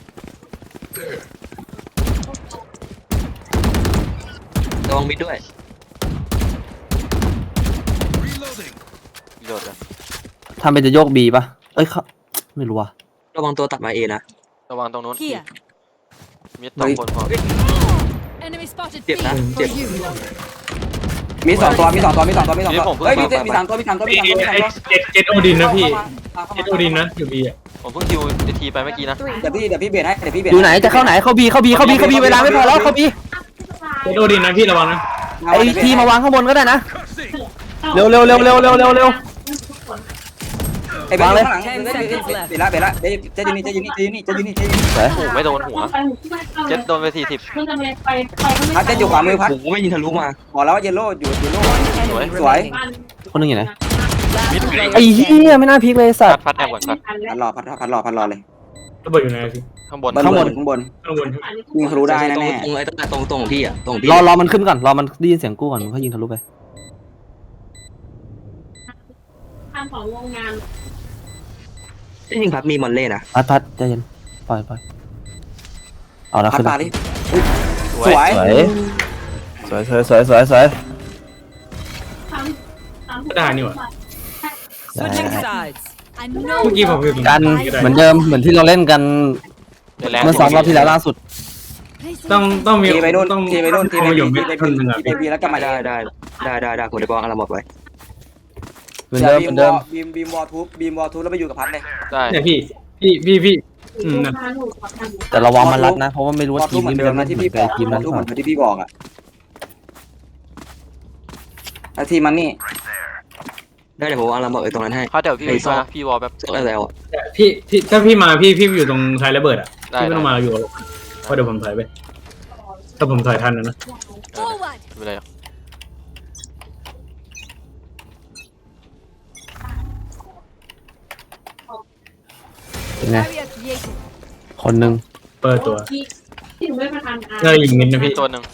[SPEAKER 3] ระวังมิดด้วย
[SPEAKER 6] Reloading.
[SPEAKER 1] โดดเลย
[SPEAKER 2] ทำเป็นจะโยกบีปะเอ้ยเขาไม่รู้ว่ะ
[SPEAKER 3] ระวังตัวตัดมาเอนะ
[SPEAKER 1] ระวังตรงนู้น
[SPEAKER 7] Here.
[SPEAKER 1] มี2 คนพอ
[SPEAKER 8] Enemy spotted.
[SPEAKER 3] เจ็บนะ
[SPEAKER 8] B.
[SPEAKER 3] เจ็บ
[SPEAKER 4] มี2 ตัวเฮ้ยมี3 ตัวเฮ้ยมี3 ตัว
[SPEAKER 5] เจ็ดโอดินนะพี่เจ็ดโอดินนะอยู่บีอ่ะ
[SPEAKER 1] ผมเพิ่งคิวทีไปเมื่อกี้นะ
[SPEAKER 4] เดี๋ยวพี่เบียดให้
[SPEAKER 2] อยู่ไหนจะเข้าไหนเข้าบีเวลาไม่พอแล้วเข้าบี
[SPEAKER 5] เจ็ดโอดินนะพี่ระวังนะ
[SPEAKER 2] ไอทีมาวางข้างบนก็ได้นะ
[SPEAKER 6] Cussing.
[SPEAKER 2] เร็ว
[SPEAKER 4] ไอ้เบนอยู่ข้างหลัง
[SPEAKER 7] 10
[SPEAKER 4] เบน
[SPEAKER 7] seconds left
[SPEAKER 4] เบนละเบนละเดี๋ยวเจ๊อยู่นี่เจ๊อยู่นี่เจ๊อยู่นี่เจ๊อยู่นี่เจ๊อยู่นี่
[SPEAKER 2] สวย
[SPEAKER 1] โอ้โหไม่โดนหัว เจ็ดโดนไป40
[SPEAKER 4] พัดเจ๊อยู่ขวามือพัด
[SPEAKER 3] โอ้โหไม่ยิงทะลุมา
[SPEAKER 4] บอกแล้วว่าเยลโล่อยู่เยลโล่
[SPEAKER 7] Enemy
[SPEAKER 4] Swipe.
[SPEAKER 7] remaining.
[SPEAKER 2] คนหนึงอยู่ไหน
[SPEAKER 7] Last player
[SPEAKER 2] ไอ้เหี้ย
[SPEAKER 7] standing.
[SPEAKER 2] ไม่น่าพลิกเลยสัต
[SPEAKER 1] พัด
[SPEAKER 2] ว์
[SPEAKER 1] พัดแอบก่อนพัด
[SPEAKER 4] พัดรอเลย
[SPEAKER 5] ระเบิดอยู่ไหนพี่
[SPEAKER 1] ข้างบน
[SPEAKER 4] ข้างบน
[SPEAKER 5] ข้างบน
[SPEAKER 4] ยิงทะลุได้แน่
[SPEAKER 3] ตรงไอ้ตรงของพี่อ่ะตรงพี่
[SPEAKER 2] รอมันขึ้นก่อนรอมันได้ยินเสียงกู้ก่อนมันก็ยิงทะลุไป
[SPEAKER 3] จริงๆพัดมีมอนเล่นะ
[SPEAKER 2] พัดใจเย็นปล่อยเอาแล้ว
[SPEAKER 4] พัด
[SPEAKER 2] ขึ้น
[SPEAKER 4] ปา
[SPEAKER 2] แล้ว
[SPEAKER 4] ดิ
[SPEAKER 1] สวย
[SPEAKER 4] สวย
[SPEAKER 2] สวย
[SPEAKER 5] ได้นี่หว่า
[SPEAKER 7] Switching sides.
[SPEAKER 8] I know
[SPEAKER 5] เมื่อกี้ผมอยู่ตรง
[SPEAKER 2] กันเหมือนเดิมเหมือนที่เราเล่นกัน
[SPEAKER 1] เดี๋ยวแรง
[SPEAKER 2] เมื่อ2 รอบที่แล้วล่าสุด
[SPEAKER 5] ต้องมี
[SPEAKER 4] ทีไปนู่น
[SPEAKER 5] ต้อง
[SPEAKER 4] ทีไปนู่นทีไป
[SPEAKER 5] มาอยู่
[SPEAKER 4] บี
[SPEAKER 5] ไม่
[SPEAKER 4] ทีไป
[SPEAKER 5] ทัน
[SPEAKER 4] บี
[SPEAKER 5] นึงอ่ะ
[SPEAKER 4] ทีไปบีแล้วก็มา
[SPEAKER 3] ได้ผมจะบอกอาราบอกไว้
[SPEAKER 2] เหมือนเดิมเหมือนเดิม
[SPEAKER 4] บีมวอลทูบแล้วไปอยู่กับพัดเลย
[SPEAKER 1] ได้
[SPEAKER 5] เนี่ยพี่นั่น
[SPEAKER 2] แต่ระวังมันรัดนะ เพราะว่าไม่รู้
[SPEAKER 4] วอ
[SPEAKER 2] ว่า
[SPEAKER 4] ลทู
[SPEAKER 2] ที
[SPEAKER 4] บ
[SPEAKER 2] ม
[SPEAKER 4] เหมือ
[SPEAKER 2] นี้
[SPEAKER 4] น
[SPEAKER 2] มัน
[SPEAKER 4] เดิ
[SPEAKER 2] จะ
[SPEAKER 4] ม
[SPEAKER 2] ไม่
[SPEAKER 4] นะ
[SPEAKER 2] เห
[SPEAKER 4] ที่
[SPEAKER 2] มือ
[SPEAKER 4] พี่
[SPEAKER 2] น
[SPEAKER 4] บ
[SPEAKER 2] กั
[SPEAKER 4] อบ ก
[SPEAKER 2] ทีมนั้นหรือเปล่า
[SPEAKER 4] วอลทูบเหมือนที่พี่บอกอะแล้วทีมมันนี่
[SPEAKER 3] ได้เดี๋ยวผมอาราบอกไอ้ตรงนั้นให้
[SPEAKER 1] พัดเดี๋ยวพี่
[SPEAKER 3] ไอ้ซอก
[SPEAKER 1] มาพี่วอลแบบ
[SPEAKER 3] แล้วแล้ว
[SPEAKER 5] พี่ถ้าพี่มาพี่อยู่ตรงท้ายระเบิดอ่ะ
[SPEAKER 1] ได้
[SPEAKER 5] พี่ไม่ต้องมาอยู่กับผมเพราะเดี๋ยวผมถอยไปถ้าผมถอยทันนะ
[SPEAKER 8] forward.
[SPEAKER 1] ไม่เป็นไรหรอก
[SPEAKER 2] เป็นไง
[SPEAKER 8] Barrier created.
[SPEAKER 2] คนหนึ่ง
[SPEAKER 5] เปิดตัวน่าจะยิงมิดนะ
[SPEAKER 1] มี
[SPEAKER 5] พี่
[SPEAKER 1] ตัวหนึ่ง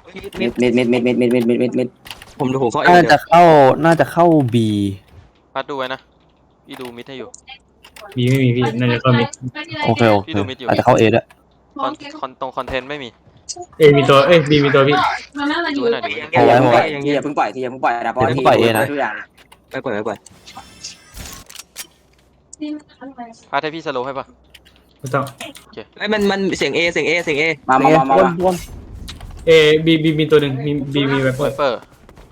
[SPEAKER 4] มิด
[SPEAKER 3] ผมดูผมเข้า
[SPEAKER 2] น่าจะเข้า B
[SPEAKER 1] พัดดูไว้นะพี่ดูมิดให้อยู่
[SPEAKER 5] มีไม่มีพี่น่าจะเข้ามิด
[SPEAKER 2] โอเค
[SPEAKER 1] พี่ดูมิดอยู่
[SPEAKER 2] อาจจะเข้า A ด้วย
[SPEAKER 1] ตรงคอนเทนต์ไม่มี
[SPEAKER 5] มีตัวบีมีตัวพี่
[SPEAKER 1] ดูให้หน่อยดูให้หน่อย
[SPEAKER 2] เอาไว้เอาไว้
[SPEAKER 4] ทีอย่าเพิ่งปล่อยทีอย่าเพิ่งปล่อยนะเพราะ
[SPEAKER 2] อย่าเพิ่งปล่อยเองนะ
[SPEAKER 4] ทุกอย่าง
[SPEAKER 3] ไม่ปล่อย
[SPEAKER 1] พัดให้พี่สโลว์ให้ปะ
[SPEAKER 5] ไม่ต้อง
[SPEAKER 3] ไอ้มันเสียง A
[SPEAKER 4] มา
[SPEAKER 2] วน
[SPEAKER 5] บีมีตัวหนึ่งมีไวเปอ
[SPEAKER 1] ไว
[SPEAKER 5] ร์
[SPEAKER 1] เปอร์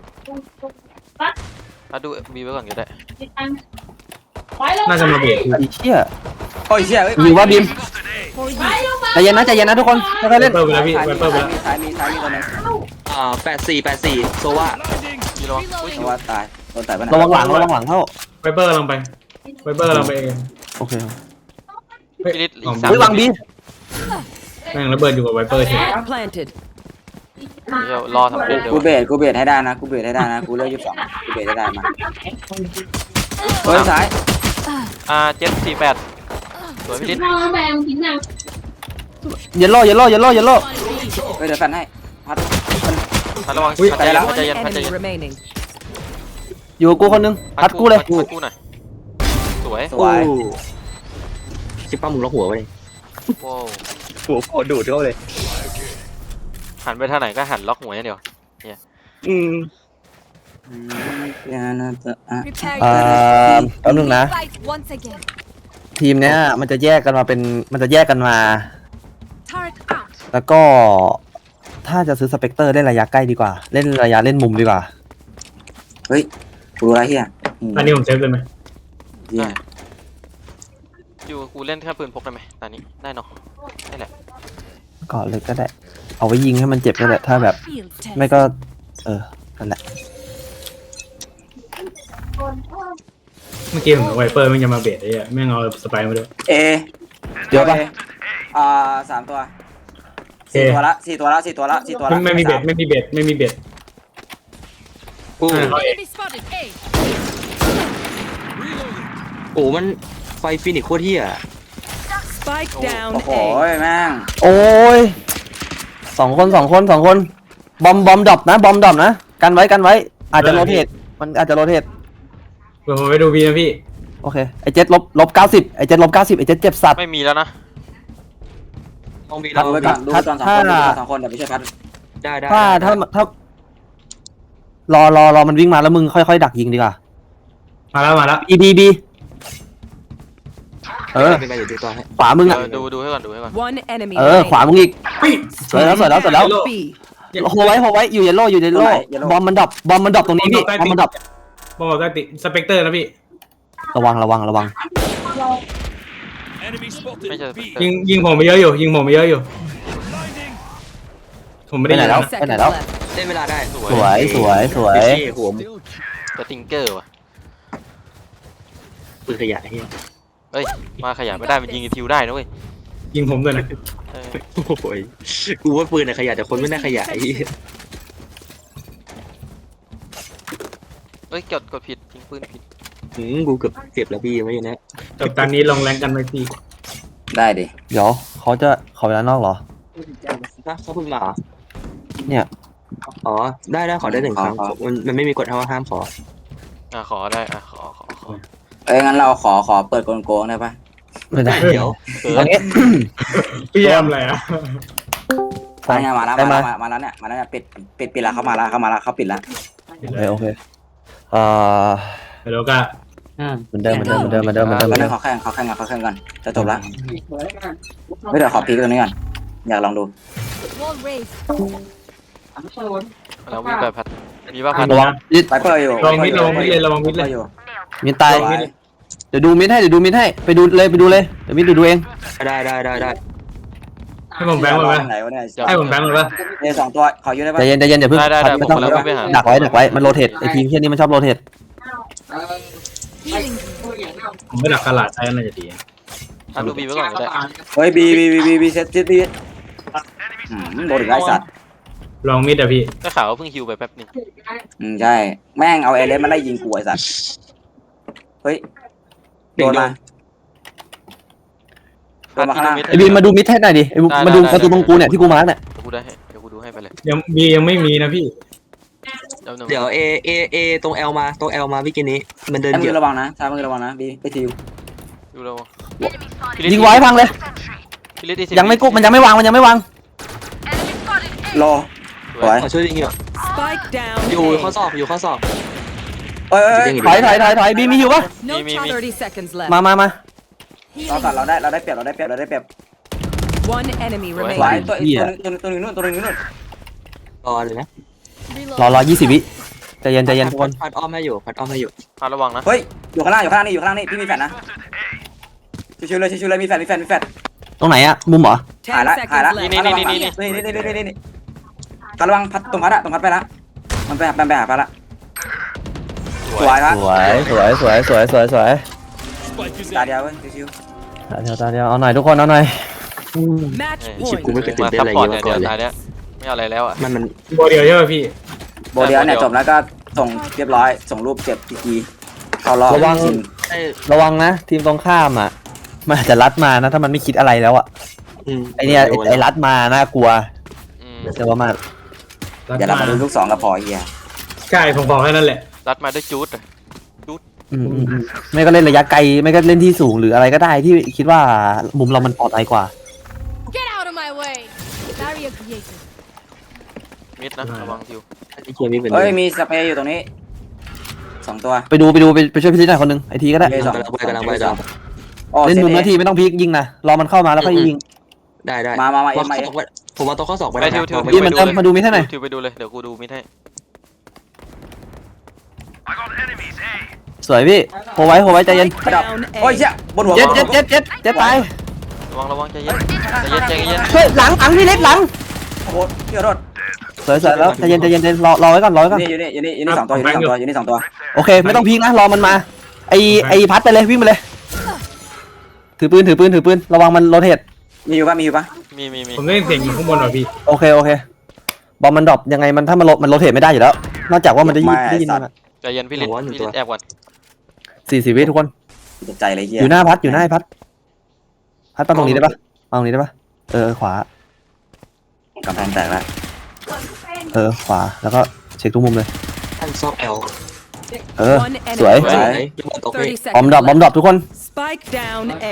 [SPEAKER 1] พัดดูบีไว้ก่อนก็ได้
[SPEAKER 5] น่าจะมาเบียด
[SPEAKER 2] ไอ้เชี่ย
[SPEAKER 4] โอ้ยเชี่ยเฮ้ย
[SPEAKER 2] อยู่ว่าบีมใจเย็นนะทุกคนค่อยๆ
[SPEAKER 5] ไว
[SPEAKER 2] เล่น
[SPEAKER 5] เปอร์ไปแล้วพี่ไวเปอร์ไปแล้ว
[SPEAKER 4] ซ้ายมีตัวนึง
[SPEAKER 3] 84โซว่า
[SPEAKER 1] พี่ระวังอุ้ย
[SPEAKER 4] เพราะว่าตายโดนตายไปไหน
[SPEAKER 2] ระวังหลังเข้า
[SPEAKER 5] ไวเปอร์กำลังไปไวเปอร์กำลังไปเอง
[SPEAKER 2] โอเค
[SPEAKER 1] พี่ลิศอีก
[SPEAKER 2] เฮ้ยวางบี
[SPEAKER 5] แม่งระเบิดอยู่กับไวเปอร์ใช่ไหม
[SPEAKER 7] Spike planted.
[SPEAKER 1] เดี๋ยวรอทำเด็ดเดี๋ยว
[SPEAKER 4] กูเบรดให้ได้นะกูเบรดให้ได้นะกูเลือก22กูเบรดให้ได้มาเฮ้ยซ้าย
[SPEAKER 1] 748สวยพี่ลิศ
[SPEAKER 2] เยลโล่
[SPEAKER 4] เฮ้ยเดี๋ยวฟันให้พัด
[SPEAKER 1] พัดระวังพัดใจเย็น
[SPEAKER 7] One
[SPEAKER 1] พัดใจ
[SPEAKER 7] enemy
[SPEAKER 1] เย็น
[SPEAKER 7] remaining.
[SPEAKER 2] อยู่กับกูคนหนึงพัดกูเลย
[SPEAKER 1] พัดกูหน่อยสวย
[SPEAKER 4] สวย
[SPEAKER 3] ชิปป้ามึงล็อกหัวไว้
[SPEAKER 1] โว้ว
[SPEAKER 3] หัวโคดูดเข้าเลย
[SPEAKER 1] หันไปทางไหนก็หันล็อกหัวอย่างเดียว
[SPEAKER 8] Prepare
[SPEAKER 2] แป๊บนึงนะ
[SPEAKER 8] fight once again.
[SPEAKER 2] ทีมเนี้ยมันจะแยกกันมา
[SPEAKER 8] Turret out.
[SPEAKER 2] แล้วก็ ถ้าจะซื้อสเปกเตอร์เล่นระยะใกล้ดีกว่า เล่นระยะเล่นมุมดีกว่า
[SPEAKER 4] เฮ้ยกูรู้อะไรเฮีย
[SPEAKER 5] อันนี้ผมเซฟเลยไหม
[SPEAKER 4] เฮีย
[SPEAKER 1] อยู่กูเล่นแค่ปืนพกได้ไหมตอนนี้ได้เนาะได้แหละ
[SPEAKER 2] ก่อนเลยก็ได้ เอาไว้ยิงให้มันเจ็บก็ได้ถ้าแบบ
[SPEAKER 8] Field test.
[SPEAKER 2] ไม่ก็นั่นแหละ
[SPEAKER 5] เมื่อกี้ผมไวเปอร์มันจะมาเบียดไอ้แม่งเอาสไปร์มาด้วย
[SPEAKER 4] เอ
[SPEAKER 2] เดี๋ยวปะ
[SPEAKER 4] 3 ตัว4 ตัวละ4 ตัวละ
[SPEAKER 5] ไม่มีเบียดไม่มีเบียด
[SPEAKER 3] กู
[SPEAKER 8] Enemy spotted. A.
[SPEAKER 3] โอ้มันไฟฟินิกโคตรเฮีย
[SPEAKER 7] Spike down
[SPEAKER 4] โอ้โห
[SPEAKER 7] A.
[SPEAKER 4] แม่ง
[SPEAKER 2] โอ้ยสองคนบอมดรอปนะกันไว้อาจจะโรเทตมันอาจจะโรเทต
[SPEAKER 5] เดี๋ยวผมไปดูบีนะพี่
[SPEAKER 2] โอเคไอเจ็ดลบ90ไอเจ็ดลบ90ไอเจ็ดเจ็บสัตว์
[SPEAKER 1] ไม่มีแล้วนะ
[SPEAKER 3] ต้องมี
[SPEAKER 4] ดูไว้ก่อนดูตอน2 คนเดี๋ยวไปช่วยพัด
[SPEAKER 3] ได้
[SPEAKER 2] ถ้ารอมันวิ่งมาแล้วมึงค่อยๆดักยิงดีกว่า
[SPEAKER 5] มาแล้ว
[SPEAKER 2] บี
[SPEAKER 3] ไปอยู่ที่ตัวให้
[SPEAKER 2] ขวามึงอ่ะ
[SPEAKER 1] ดูให้ก่อน
[SPEAKER 7] One enemy
[SPEAKER 2] ขวา
[SPEAKER 7] remaining.
[SPEAKER 2] มึงอีกสวยแล้ว
[SPEAKER 7] B.
[SPEAKER 2] โฮไว้อยู่เยลโล่บอมมันดรอปตรงนี้พี่บอมมันดรอป
[SPEAKER 5] บอกว่าสเปกเตอร์นะพี่
[SPEAKER 2] ระวัง
[SPEAKER 6] Enemy spotted.
[SPEAKER 1] ไม่ใช่
[SPEAKER 6] B.
[SPEAKER 5] ยิงผมไปเยอะอยู่ผมไม่ได้
[SPEAKER 2] ไปไหน
[SPEAKER 5] ยิง
[SPEAKER 2] แล้ว
[SPEAKER 5] นะ
[SPEAKER 7] Seconds left.
[SPEAKER 3] เล่นเวลาได้
[SPEAKER 1] สว
[SPEAKER 2] สวย
[SPEAKER 3] หัว
[SPEAKER 1] สติงเกอร์ว่ะ
[SPEAKER 3] ปืนขยะเฮีย
[SPEAKER 1] เฮ้ยมาขยายไม่ได้มันยิงไอ้ทิวได้นะเว้ย
[SPEAKER 5] ยิงผมด้วยนะ
[SPEAKER 1] เออ
[SPEAKER 3] โอ้ยกูว่าปืนน่ะขยะแต่คนไม่น่าขยะไอ้เหี้ย
[SPEAKER 1] เฮ้ยกดผิดยิงปืนผิด
[SPEAKER 3] กูเกือบเก็บแล้วพี่ไม่นะ
[SPEAKER 5] กับตอนนี้ลงแรงกันไหมพี่
[SPEAKER 4] ได้ดิ
[SPEAKER 2] เดี๋ยวเขาจะขอเวลานอกเหรอ
[SPEAKER 3] เขาเพิ่งมาเหรอ
[SPEAKER 2] เนี่ย
[SPEAKER 3] อ๋อได้ขอได้1 ครั้งมันไม่มีกฎห้ามขอ
[SPEAKER 1] ขอได้ขอ
[SPEAKER 4] เอ้ยงั้นเราขอเปิดโกงๆได้ปะ
[SPEAKER 2] ไม่ได้
[SPEAKER 3] เดี๋ยว
[SPEAKER 2] เอางี้
[SPEAKER 5] พี่ทำอะไรอ่ะ
[SPEAKER 4] มาเนี่ยมาแล้ว
[SPEAKER 2] ได้
[SPEAKER 4] มาแล้วเนี่ยปิดแล้วเข้ามาแล้วเขาปิดแล้ว
[SPEAKER 2] โอเค
[SPEAKER 5] แล้วก็
[SPEAKER 2] เหมือนเดิม
[SPEAKER 4] แล้วนั่นเขาแข่งก่อนจะจบแล้วไม่เดี๋ยวขอพีกตรงนี้ก่อนอยากลองดู
[SPEAKER 8] Wall raised.
[SPEAKER 1] เราวิ่งไปพัดมีว่าพัด
[SPEAKER 2] ระวังมิด
[SPEAKER 4] ไปเปิดอยู่
[SPEAKER 5] ระวังมิดเลย
[SPEAKER 4] อยู่
[SPEAKER 2] มิดตาย
[SPEAKER 4] สวย
[SPEAKER 2] เดี๋ยวดูมิดให้ไปดูเลยเดี๋ยวมิดดูเอง
[SPEAKER 3] ได้
[SPEAKER 5] ให้ผมแบงค์มาไหม
[SPEAKER 4] ไหนวะเนี่ย
[SPEAKER 5] ให้ผมแบงค์มาปะ
[SPEAKER 4] เนี่ย2 ตัวขออยู่ได้ปะ
[SPEAKER 2] ใจเย็นอย่าเพิ่ง
[SPEAKER 1] ได้
[SPEAKER 2] ไม่ต้อง
[SPEAKER 1] ผมไปหา
[SPEAKER 2] ดักไว้มันโรเทตไอทีมเที่ยนี้มันชอบโรเทต
[SPEAKER 8] Healing.
[SPEAKER 5] ผมไม่ดักกระหลาดใช้น่าจะดี
[SPEAKER 1] พัดดูบีไว้ก่อนก็ได้
[SPEAKER 4] เฮ้ยบีเซตบีโดนอีกไอ้สัตว์
[SPEAKER 5] ลองมิดอ่ะพี่
[SPEAKER 1] ก็ข่าวว่าเพิ่งฮิวไปแป๊บนึง
[SPEAKER 4] ใช่แม่งเอาเอเลสมาไล่ยิงกูไอ้สัตว์เฮ้ยโดนมาโดนมาข้างล่าง
[SPEAKER 2] ไอบีมมาดูมิดให้หน่อยดิมาดูประตูตรงกูเนี่ยที่กูมาร์กเนี่ย
[SPEAKER 1] เดี๋ยวกูได้ให้เดี๋ยวกูดูให้ไปเลย
[SPEAKER 5] ยังไม่มีนะพี่
[SPEAKER 3] เดี๋ยวเอตรง L มาพี่กินนี้มันเดิน
[SPEAKER 4] ใช้
[SPEAKER 3] เหยี
[SPEAKER 4] มื
[SPEAKER 3] ยบ
[SPEAKER 4] อระวังนะใช้มือระวังนะบีไปทิว
[SPEAKER 1] ดูเรา
[SPEAKER 2] ยิงไว้พังเลย
[SPEAKER 1] พี่ลิศ
[SPEAKER 2] ยังไม่กุ๊บมันยังไม่วาง
[SPEAKER 4] รอสวย
[SPEAKER 3] ขอช่วยยิงอยู่
[SPEAKER 7] Spike down.
[SPEAKER 3] อยู่ข้อ
[SPEAKER 7] A.
[SPEAKER 3] ศอกอยู่ข้อศอก
[SPEAKER 4] เอ้ย
[SPEAKER 2] ถอยบีมีอยู่ปะ
[SPEAKER 7] No 30 seconds left.
[SPEAKER 2] มา
[SPEAKER 4] เราตัดเราได้เปรียบ
[SPEAKER 7] One enemy
[SPEAKER 4] สวย
[SPEAKER 7] remaining.
[SPEAKER 4] ตัวนึงนู่น
[SPEAKER 3] รอเลยนะ
[SPEAKER 2] รอ20 วิใจเย็นทุกคน
[SPEAKER 3] พัดอ้อมให้อยู่
[SPEAKER 1] พัดระวังนะ
[SPEAKER 4] เฮ้ยอยู่ข้างล่างนี่พี่มีแฟนนะชิวๆเลยมีแฟน
[SPEAKER 2] ตรงไหนอะมุมเหรอ
[SPEAKER 4] หาย
[SPEAKER 7] 10
[SPEAKER 4] ละ
[SPEAKER 7] seconds left.
[SPEAKER 4] นี่การระวังพัดตรงพัดไปละมันไปหาพัดละสวยละ
[SPEAKER 2] สวย
[SPEAKER 6] Spike is
[SPEAKER 4] ตา
[SPEAKER 6] in.
[SPEAKER 4] เดียวเว้ยชิว
[SPEAKER 2] ตาเดียวเอาหน่อยทุกคนเอาหน่อย
[SPEAKER 7] Match
[SPEAKER 3] ชิบ
[SPEAKER 7] point.
[SPEAKER 3] กูไม่เคยตื่น
[SPEAKER 1] มา
[SPEAKER 3] เต้น
[SPEAKER 1] ซั
[SPEAKER 3] อะไร
[SPEAKER 1] พพอร์ต
[SPEAKER 3] เงี้
[SPEAKER 1] เนี่ย
[SPEAKER 3] ย
[SPEAKER 1] เดี๋
[SPEAKER 3] ก่
[SPEAKER 1] ย
[SPEAKER 3] อนเลย
[SPEAKER 1] วตายเนี้ยไม่เอาอะไรแล้วอ่ะ
[SPEAKER 3] มัน
[SPEAKER 5] โบเดียวใช่ป่ะพี่
[SPEAKER 4] ๆโบเดียวเนี่ยจบแล้วก็ส่งเรียบร้อยส่งรูปเก็บทีเข้ารอบ
[SPEAKER 2] ระวังนะทีมตรงข้ามอ่ะมันอาจจะรัดมานะถ้ามันไม่คิดอะไรแล้วอ่ะไอเนี่ยไอรัดมาน่ากลัวแต่ว่ามา
[SPEAKER 4] เดี๋ยวเรามาดูลูก2กับพอเฮีย
[SPEAKER 5] ใช่ผมบอกแค่นั้นแหละ
[SPEAKER 1] รัดมาด้วยจูด
[SPEAKER 2] ไม่ก็เล่นระยะไกลไม่ก็เล่นที่สูงหรืออะไรก็ได้ที่คิดว่ามุมเรามันปลอดภัยกว่า
[SPEAKER 8] Get out of my way. Barrier created.
[SPEAKER 1] มิดนะระวังทิว
[SPEAKER 3] ไอ้เคียมีเป็น
[SPEAKER 4] เฮ้ยมีสเปรย์อยู่ตรงนี้2 ตัว
[SPEAKER 2] ไปช่วยพี่ลิศหน่อยคนนึงไอทีก็ได้
[SPEAKER 4] เฮ้ย
[SPEAKER 3] กำลังไป
[SPEAKER 2] เล่นมุมนาทีไม่ต้องพลิกยิงนะรอมันเข้ามาแล้วค่อยยิง
[SPEAKER 3] ได้
[SPEAKER 4] มา
[SPEAKER 3] ผมเอาตัวข้อศอกไป
[SPEAKER 1] ไปทิว
[SPEAKER 2] พี่มันมาดูมิดให้หน่อย
[SPEAKER 1] ทิวไปดูเลยเดี๋ยวกูดูมิดให้
[SPEAKER 2] สวยพี่โหไว้ใจเย็น
[SPEAKER 7] Down
[SPEAKER 4] โอ้ย
[SPEAKER 7] A.
[SPEAKER 4] เชี่ยบนหัว
[SPEAKER 2] เจ็ดตาย
[SPEAKER 1] ระวังใจเย็น
[SPEAKER 2] เฮ้ยหลังพี่ลิศหลัง
[SPEAKER 4] โอ้โหเชื่อรถ
[SPEAKER 2] สวยแล้วใจเย็นรอไว้ก่อน
[SPEAKER 4] นี่อยู่นี่2 ตัว
[SPEAKER 2] โอเคไม่ต้องพลิกนะรอมันมาไอพัดไปเลยวิ่งไปเลยถือปืนระวังมันโรเทต
[SPEAKER 4] มีอยู่ปะ
[SPEAKER 1] มี
[SPEAKER 5] ผมได้ยินเสียงอยู่ข้างบนว่ะพี่
[SPEAKER 2] โอเคบอมมันดรอปยังไงมันถ้ามันโรเทตไม่ได้อยู่แล้วนอกจากว่ามันได้ยินมัน
[SPEAKER 1] ใจเย็นพี่ลิศแอบก่อน
[SPEAKER 2] 40 วิทุกคน
[SPEAKER 4] ตกใจเลยเฮีย
[SPEAKER 2] อยู่หน้าพัดพัดตรงนี้ได้ปะขวาก
[SPEAKER 4] ำแพงแตกแล้ว
[SPEAKER 2] ขวาแล้วก็เช็คทุกมุมเลย
[SPEAKER 3] ท่านซอกแอล
[SPEAKER 7] One
[SPEAKER 2] สวย
[SPEAKER 7] enemy. 30
[SPEAKER 2] บอม
[SPEAKER 7] seconds.
[SPEAKER 2] ดรอปทุกคน
[SPEAKER 7] Spike down A.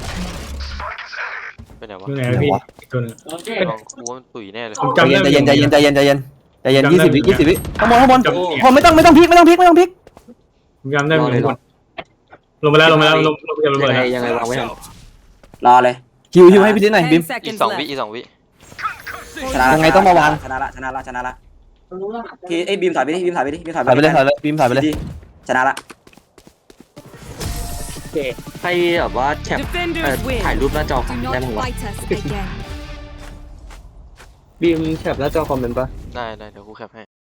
[SPEAKER 1] เป็นไงวะ
[SPEAKER 5] ยังไงพี่อีกตัวนึง
[SPEAKER 1] ลองกูว่ามันตุ๋ยแน่เลย
[SPEAKER 5] ผม
[SPEAKER 2] ใจ
[SPEAKER 5] จำได้
[SPEAKER 2] เย็น20 วิข้างบนไม่ต้องพลิก
[SPEAKER 5] ผมจำได้เหมือนกันลงมาแล้วลงมาแล้ว
[SPEAKER 3] ยังไงวางไว้
[SPEAKER 4] รอเลย
[SPEAKER 2] ฮิวให้พี่ลิศหน่อยบิม
[SPEAKER 7] 10
[SPEAKER 1] อีก
[SPEAKER 7] seconds
[SPEAKER 1] 2 วิ
[SPEAKER 7] left.
[SPEAKER 1] อีก2 วิ
[SPEAKER 4] ชนะ
[SPEAKER 2] ยังไงต้องมาวาง
[SPEAKER 4] ชนะละทีไอ้บีมถอยไปดิบีมถอยไป
[SPEAKER 2] ถ่ายไปเลยบิมถ่ายไปเลย
[SPEAKER 4] ชนะละ
[SPEAKER 3] ใครแบบว่าแคป
[SPEAKER 7] Defenders
[SPEAKER 3] ถ่าย
[SPEAKER 7] win.
[SPEAKER 3] รูปหน้าจอ
[SPEAKER 8] Do
[SPEAKER 3] ได้
[SPEAKER 8] not
[SPEAKER 3] มั้งวะ
[SPEAKER 8] fight us again.
[SPEAKER 3] บีมแคปหน้าจอคอมเมนต์ปะ
[SPEAKER 1] ได้เดี๋ยวกูแคปให้